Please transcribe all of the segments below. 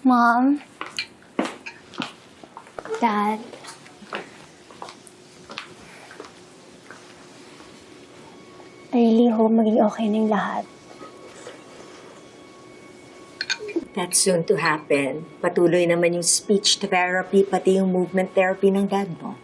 Mom, Dad, I really hope maging okay na yung lahat. That's soon to happen. Patuloy naman yung speech therapy, pati yung movement therapy ng dad mo.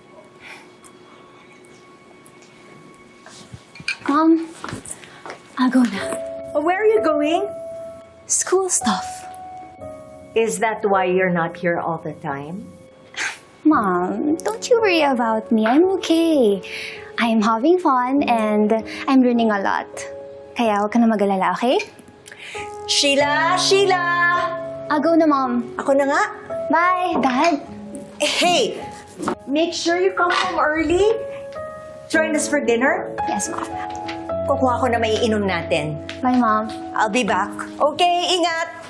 Mom, I'll go na. Where are you going? School stuff. Is that why you're not here all the time? Mom, don't you worry about me. I'm okay. I'm having fun and I'm learning a lot. Kaya huwag ka na mag-alala, okay? Sheila! Sheila! I'll go na, Mom. Ako na nga. Bye, Dad. Hey! Make sure you come home early. Join us for dinner. Yes, Mom. Kukuha ko na may inom natin. Bye, Mom. I'll be back. Okay, ingat!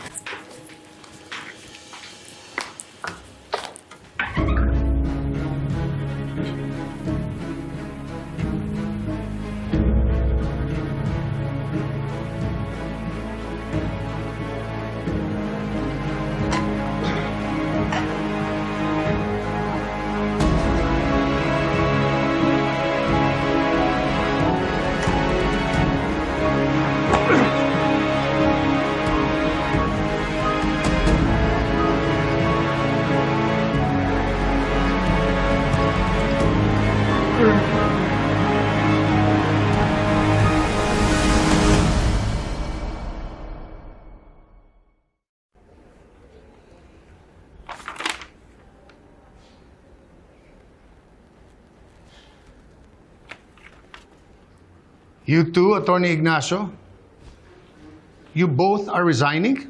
You too, Attorney Ignacio? You both are resigning?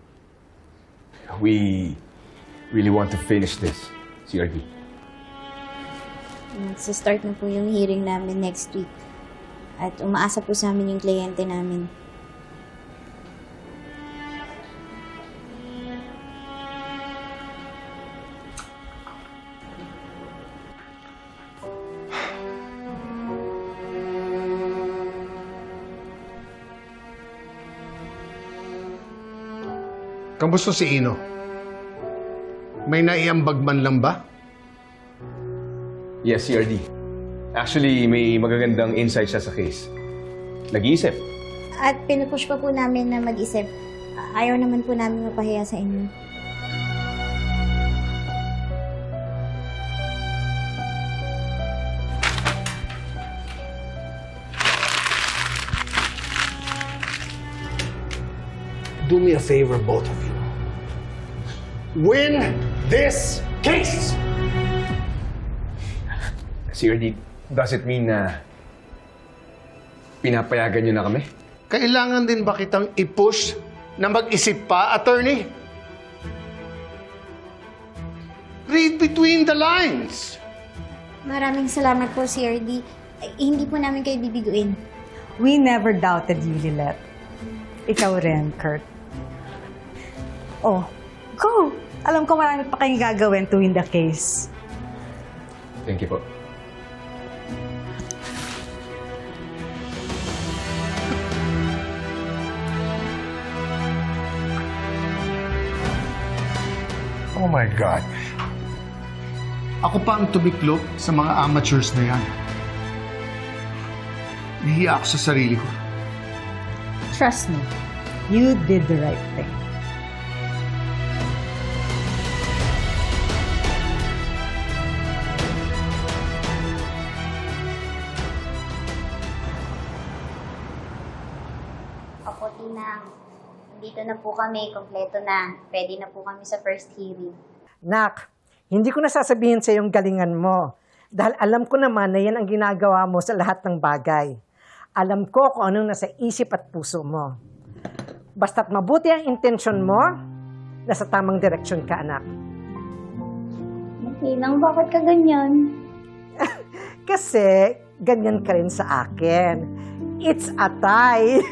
We really want to finish this, CRD. Magsa-start na po yung hearing namin next week. At umaasa po sa amin yung kliyente namin. Kamusta si Ino? May naiambag man lang ba? Yes, CRD. Actually, may magagandang insight siya sa case. Nag-iisip. At pinupush pa po namin na mag-isip. Ayaw naman po namin mapahiya sa inyo. Do me a favor, both of you. Win this case! CRD, does it mean na pinapayagan niyo na kami? Kailangan din ba kitang i-push na mag-isip pa, attorney? Read between the lines. Maraming salamat po, CRD. Hindi po namin kayo bibiguin. We never doubted you, Lilette. Ikaw rin, Kurt. Oh, go! Alam ko marami pa kayong gagawin to win the case. Thank you po. Oh my God. Ako pa ang tumiklop sa mga amateurs na yan. Nahiya ako sa sarili ko. Trust me, you did the right thing. Opo, Tinang. Nandito na po kami, kompleto na. Pwede na po kami sa first hearing. Nak, hindi ko nasasabihin sa iyong galingan mo. Dahil alam ko naman na yan ang ginagawa mo sa lahat ng bagay. Alam ko kung anong nasa isip at puso mo. Basta't mabuti ang intensyon mo, nasa tamang direksyon ka, anak. Tinang, bakit ka ganyan? Kasi ganyan ka rin sa akin. It's a tie.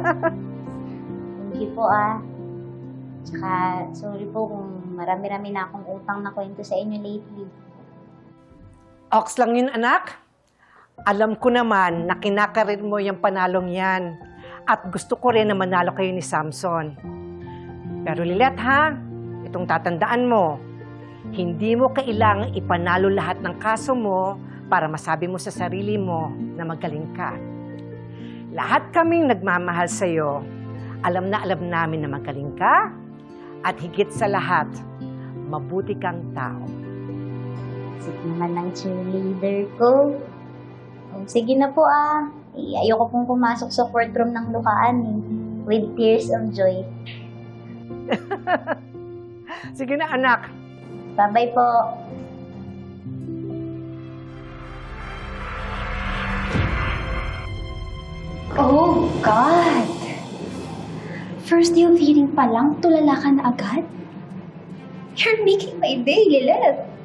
Hindi po Tsaka, sorry po kung marami-rami na akong utang na kwento sa inyo lately. Ox lang yun, anak. Alam ko naman na kinakarir mo yung panalong yan. At gusto ko rin na manalo kayo ni Samson. Pero Lilette, ha? Itong tatandaan mo, hindi mo kailangang ipanalo lahat ng kaso mo para masabi mo sa sarili mo na magaling ka. Lahat kaming nagmamahal sa'yo, alam na alam namin na magaling ka at higit sa lahat, mabuti kang tao. Sip naman ng cheerleader ko. Oh, sige na po ayoko pong pumasok sa courtroom ng luhaan with tears of joy. Sige na anak, Bye-bye po. Oh, God! First day of hearing pa lang, tulala ka na agad? You're making my day, Lilith.